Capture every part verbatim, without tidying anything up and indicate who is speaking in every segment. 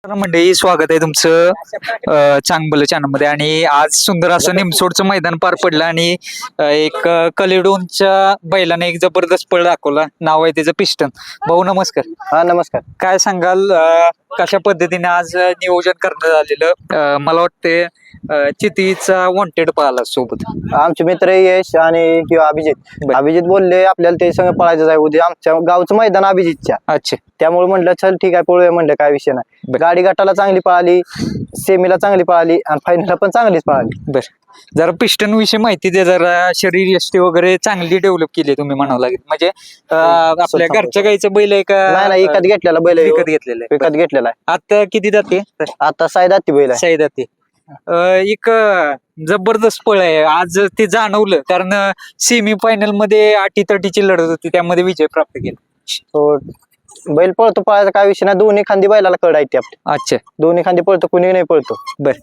Speaker 1: मंडळी, स्वागत आहे तुमचं चांगलं चॅनलमध्ये. आणि आज सुंदर असं निमसोडचं मैदान पार पडलं आणि अ, एक अ, कलेडोनच्या बैलाने एक जबरदस्त पळ दाखवला. नाव आहे त्याचं पिस्टन. भाऊ नमस्कार.
Speaker 2: हा नमस्कार.
Speaker 1: काय सांगाल, अ, कशा पद्धतीने आज नियोजन करण्यात आलेलं? अ, मला वाटते अ, चितीचा वॉन्टेड पाहिला सोबत.
Speaker 2: आमचे मित्र यश आणि किंवा अभिजित
Speaker 1: बर.
Speaker 2: अभिजित बोलले आपल्याला ते संग पळायचं आहे उद्या आमच्या गावचं मैदान अभिजितच्या.
Speaker 1: अच्छा.
Speaker 2: त्यामुळे म्हणलं चल ठीक आहे पळूया, म्हणलं काय विषय नाही.
Speaker 1: बर.
Speaker 2: गाडी गटाला चांगली पळाली, सेमीला चांगली पळाली आणि फायनलला पण चांगलीच पळाली.
Speaker 1: बर, जरा पिस्टन विषयी माहिती द्या. जरा शरीर यष्टी वगैरे चांगली डेव्हलप केली तुम्ही म्हणावं लागेल. म्हणजे अ, आपल्या घरच्या गाईचं बैल आहे का?
Speaker 2: नाही नाही, विकत घेतलेला बैल आहे.
Speaker 1: विकत घेतलेलं आहे.
Speaker 2: विकत घेतलेला आहे.
Speaker 1: आता किती जाते?
Speaker 2: आता सायदाती बैल आहे.
Speaker 1: साईदा ते एक अ, जबरदस्त पळ आहे आज. ते जाणवलं कारण सेमी फायनल मध्ये अटी तटीची लढत होती, त्यामध्ये विजय प्राप्त केला.
Speaker 2: हो, बैल पळतो, पळायचा काय विषय नाही. दोन्ही खांदी बैलाला कड आहे. आपली
Speaker 1: अच्छा.
Speaker 2: दोन्ही खांदी पळतो, कुणी नाही पळतो.
Speaker 1: बर.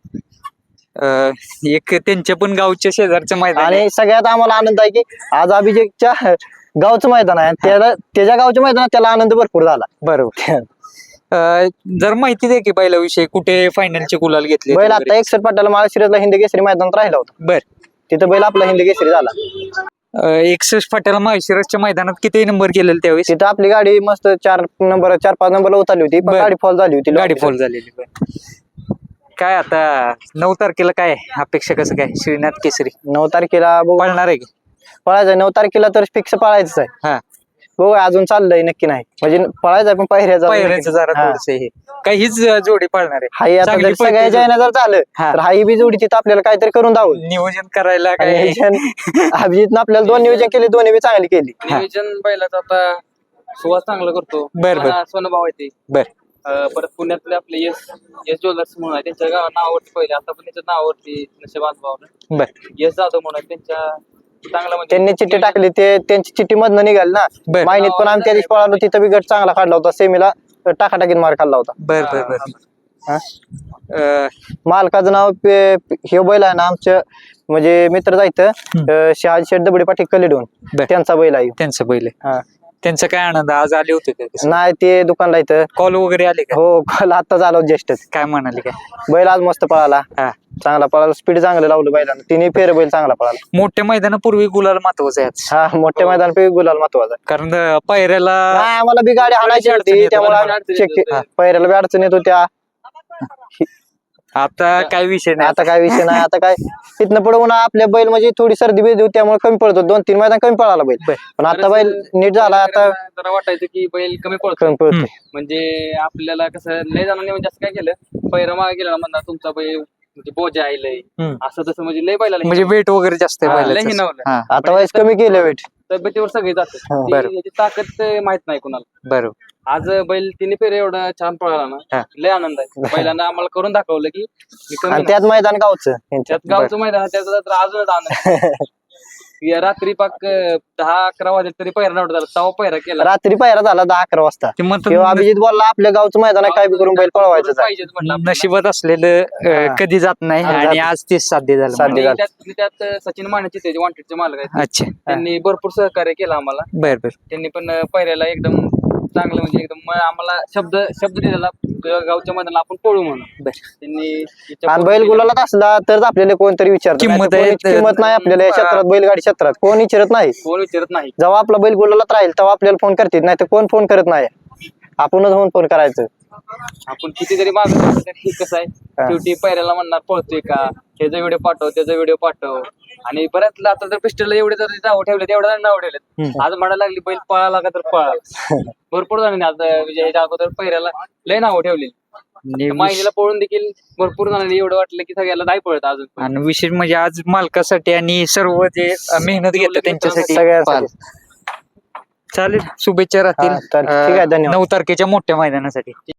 Speaker 1: अ, एक त्यांच्या पण गावच्या शेजारचं मैदान आहे.
Speaker 2: आणि सगळ्यात आम्हाला आनंद आहे की आज अभिजितच्या गावचं मैदान आहे. त्याला त्याच्या गावच्या मैदानात त्याला आनंद भरपूर झाला.
Speaker 1: बरोबर. अ, जर माहिती द्या की बैलाविषयी, कुठे फायनलचे गुलाल घेतले
Speaker 2: बैल
Speaker 1: वगैरे?
Speaker 2: आता एकसठ पाटाला माळशिरसला हिंद केसरी मैदानात राहिला होता.
Speaker 1: बर.
Speaker 2: तिथं बैल आपला हिंद केसरी झाला.
Speaker 1: अ, एकसष्ट फाट्याला माळशिरसच्या मैदानात किती नंबर केलेला त्यावेळेस?
Speaker 2: तिथं आपली गाडी मस्त चार नंबर चार पाच नंबरला उतरली होती, पण
Speaker 1: बर.
Speaker 2: गाडी फॉल झाली होती.
Speaker 1: गाडी फॉल झालेली. बर. काय आता नऊ तारखेला काय अपेक्षा, कसं काय श्रीनाथ केसरी
Speaker 2: नऊ तारखेला बघू,
Speaker 1: पळणार आहे की?
Speaker 2: पळायचं नऊ तारखेला तर फिक्स पळायचंच आहे.
Speaker 1: हा.
Speaker 2: बघू अजून चाललंय, नक्की नाही म्हणजे पळायचं पण पायऱ्याचा
Speaker 1: पायऱ्याचं जरा थोडस हे काही हीच जोडी पळणार आहे.
Speaker 2: हाई आता
Speaker 1: चांगली
Speaker 2: जर
Speaker 1: पळते
Speaker 2: सगळ्या जयना जर झालं
Speaker 1: हा.
Speaker 2: तर हाई बी जोडी तिथं आपल्याला काहीतरी करून दावं.
Speaker 1: नियोजन करायला काय?
Speaker 2: अभिजितनं आपल्याला दोन नियोजन केले, दोन्ही बी चांगली केली.
Speaker 3: नियोजन बैलाचं आता सुवास चांगला करतो.
Speaker 1: बर, बर.
Speaker 3: माझा सोनभाव आहे ते.
Speaker 1: बर.
Speaker 3: अं, परत पुण्यातले आपले यश यश ज्वेलर्स म्हणून आहे, त्यांच्या गावा नावावरती पहिले, आता पण त्यांच्या नावावरती नशेबाद भावनं
Speaker 1: बर.
Speaker 3: यश जाधव म्हणून आहे, त्यांच्या चांगला म्हणजे
Speaker 2: त्यांनी चिठ्ठी टाकली, ते त्यांची चिठ्ठी मधनं निघाली ना.
Speaker 1: बर.
Speaker 2: मायनीत पण आम्ही त्या दिवशी पळालो, तिथं बी गट चांगला काढला होता. सेमीला टाकाटाकीत मार खाल्ला होता.
Speaker 1: बर बर बर.
Speaker 2: हा?
Speaker 1: अ,
Speaker 2: मालकाचं नाव पे- हे बैल आहे ना आमचं, म्हणजे मित्र जायचं शहाजी शेठ दबडे पाटील कलेडून,
Speaker 1: बर.
Speaker 2: त्यांचा बैल आहे.
Speaker 1: त्यांचं बैल आहे.
Speaker 2: हा.
Speaker 1: त्यांचं काय आनंद, आज आले होते का?
Speaker 2: नाही ते दुकानला इथं.
Speaker 1: कॉल वगैरे आले का?
Speaker 2: हो, काल आता झालं ज्येष्ठ.
Speaker 1: काय म्हणाले काय?
Speaker 2: बैल आज मस्त पळाला,
Speaker 1: हा.
Speaker 2: चांगला पळाला, स्पीड चांगलं लावलं बैलानं. तिन्ही फेर बैल चांगला पळाला.
Speaker 1: मोठ्या मैदानापूर्वी गुलाल महत्वाचं आहे आज.
Speaker 2: हा, मोठ्या मैदान पे गुलाल महत्वाचा.
Speaker 1: कारण अ, पायऱ्याला
Speaker 2: नाही, आम्हाला बी गाडी हाणायची
Speaker 1: अडचण
Speaker 2: होती,
Speaker 1: येत
Speaker 2: त्यामुळे
Speaker 3: होती.
Speaker 2: आम्ही check के-
Speaker 3: हा.
Speaker 2: पैऱ्याला बी अडचण येत होत्या.
Speaker 1: आता काय विषय नाही.
Speaker 2: आता काय विषय नाही. आता काय तिथनं पुढे म्हणा आपल्या बैल म्हणजे थोडी सर्दी बेदी होती, त्यामुळे कमी पडतो. दोन तीन मैदान कमी पळाला बैल,
Speaker 1: बर.
Speaker 2: पण आता बैल नीट झाला. आता
Speaker 3: जरा वाटायचं की बैल कमी पळतो,
Speaker 2: कमी पळतो.
Speaker 3: म्हणजे आपल्याला कसं लय जणांनी म्हणजे असं काय केलं, पैरा मागे गेला ना म्हणणार तुमचा बैल म्हणजे बोजा आहे लय,
Speaker 1: हम्म.
Speaker 3: असं तसं म्हणजे लय बैलाला
Speaker 1: म्हणजे वेट वगैरे जास्त आहे
Speaker 3: हा,
Speaker 1: बैलाचं.
Speaker 3: लय हिणावलं.
Speaker 1: हा.
Speaker 2: आता वयस कमी केलं वेट.
Speaker 3: तब्येतीवर सगळे
Speaker 2: हा,
Speaker 3: जातात,
Speaker 1: बरं.
Speaker 3: ती- याची ताकद अं, माहित नाही कुणाला.
Speaker 1: बरोबर.
Speaker 3: आज बैल तिने फेर एवढा छान पळाला ना,
Speaker 1: हा.
Speaker 3: लय आनंद आहे. बैलांना आम्हाला करून दाखवलं की मी कमी
Speaker 2: आणि
Speaker 3: नाही.
Speaker 2: त्यात मैदान गावचं यांच्यात.
Speaker 3: त्यात गावचं मैदान आहे, त्याचा तर अजूनच आनंद. या रात्री पाक अं, दहा अकरा वाजले तरी पहिरा नव्हता झाला, तेव्हा पहिरा केला.
Speaker 2: रात्री पायरा झाला दहा अकरा वाजता.
Speaker 1: ते म्हणतात
Speaker 2: किंवा अभिजित बोलला आपल्या गावचं मैदान आहे, काय बी करून बैल पळवायचं आहे.
Speaker 3: पाहिजेच म्हटलं आपल्याला.
Speaker 1: नशिबात असलेलं अ,
Speaker 2: हा.
Speaker 1: कधी जात नाही
Speaker 2: हा,
Speaker 1: आणि
Speaker 2: जात.
Speaker 1: आज ते साध्य झालं.
Speaker 2: साध्य
Speaker 1: मला.
Speaker 2: झालं.
Speaker 3: आणि त्यात त्यात सचिन मानेचे ते वॉन्टेडचे मालक आहेत,
Speaker 1: अच्छा.
Speaker 3: त्यांनी भरपूर सहकार्य केलं आम्हाला.
Speaker 1: बर बर.
Speaker 3: त्यांनी पण अं, पहिऱ्याला एकदम चांगलं म्हणजे एकदम म- आम्हाला शब्द शब्द दिलेला तुझ्या गावच्या मैदानाला आपण पळू म्हणून.
Speaker 1: बर.
Speaker 3: त्यांनी त्याच्या
Speaker 2: आणि बैल गुलालात असला तर आपल्याला कोणतरी विचारत.
Speaker 1: किंमत आहे.
Speaker 2: किंमत नाही आपल्याला या क्षेत्रात, बैलगाडी क्षेत्रात कोण विचारत नाही.
Speaker 3: कोण विचारत नाही.
Speaker 2: जेव्हा आपला बैल गुलालात राहील तेव्हा आपल्याला फोन करतील, नाही तर कोण फोन करत नाही. आपणच होऊन फोन करायचं.
Speaker 3: आपण किती जरी मागत तरी कसं आहे,
Speaker 2: हा.
Speaker 3: शेवटी पैऱ्याला म्हणणार पळतोय का, त्याचा व्हिडिओ पाठव त्याचा व्हिडिओ पाठव. आणि बऱ्याच आता जर पिस्टलला एवढे जर नाव ठेवले तेवढ्या नाव ठेवलेत. आज म्हणायला लागली बैल पळाला का तर पळाला. भरपूर जणांनी आज म्हणजे ह्याच्या अगोदर पैऱ्याला लय नावं ठेवलेली.
Speaker 1: आणि
Speaker 3: माहितीला पळून देखील भरपूर जणांनी एवढं वाटलं की सगळ्याला नाही पळत अजून पण.
Speaker 1: आणि विशेष म्हणजे आज मालकासाठी आणि सर्व जे अ, मेहनत घेतात त्यांच्यासाठी
Speaker 2: सगळ्यासाठी.
Speaker 1: पाल. चालेल, शुभेच्छा राहतील
Speaker 2: हा, चालेल. ठीक आहे,
Speaker 1: अ,
Speaker 2: धन्यवाद.
Speaker 1: नऊ तारखेच्या मोठ्या मैदानासाठी.